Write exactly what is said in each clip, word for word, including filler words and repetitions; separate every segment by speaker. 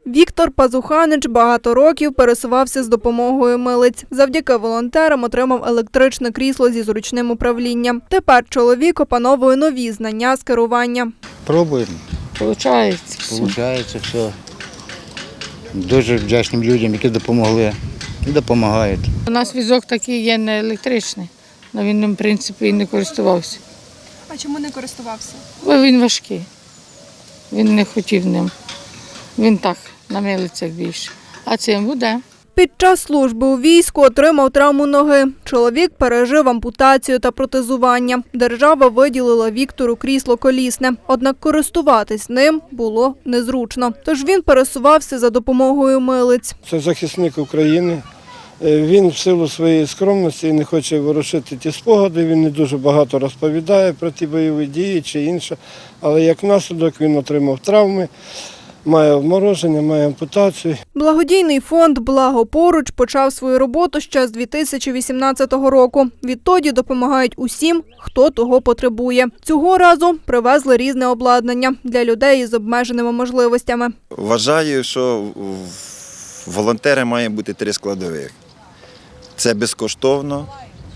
Speaker 1: Віктор Пазуханич багато років пересувався з допомогою милиць. Завдяки волонтерам отримав електричне крісло зі зручним управлінням. Тепер чоловік опановує нові знання з керування.
Speaker 2: Пробуємо.
Speaker 3: Получається.
Speaker 2: Получається все. Дуже вдячним людям, які допомогли і допомагають.
Speaker 3: У нас візок такий є не електричний, але він ним, в принципі, і не користувався.
Speaker 1: А чому не користувався?
Speaker 3: Бо він важкий. Він не хотів ним. Він так, на милицях більше. А цим буде.
Speaker 1: Під час служби у війську отримав травму ноги. Чоловік пережив ампутацію та протезування. Держава виділила Віктору крісло колісне. Однак користуватись ним було незручно. Тож він пересувався за допомогою милиць.
Speaker 4: Це захисник України. Він в силу своєї скромності не хоче ворушити ті спогади, він не дуже багато розповідає про ті бойові дії чи інше. Але як наслідок він отримав травми, має обмороження, має ампутацію.
Speaker 1: Благодійний фонд «Благо поруч» почав свою роботу ще з дві тисячі вісімнадцятого року. Відтоді допомагають усім, хто того потребує. Цього разу привезли різне обладнання для людей із обмеженими можливостями.
Speaker 5: Вважаю, що в волонтери має бути три складових. Це безкоштовно,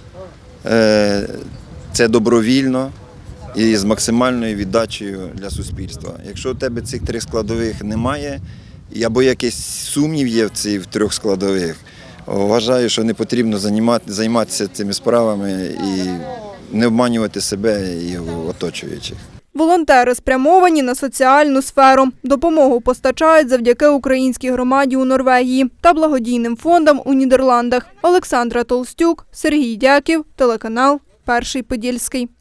Speaker 5: це добровільно і з максимальною віддачею для суспільства. Якщо у тебе цих трьох складових немає, або якийсь сумнів є в цих трьох складових, вважаю, що не потрібно займатися цими справами і не обманювати себе і оточуючих.
Speaker 1: Волонтери спрямовані на соціальну сферу. Допомогу постачають завдяки українській громаді у Норвегії та благодійним фондам у Нідерландах. Олександра Толстюк, Сергій Дяків, телеканал «Перший Подільський».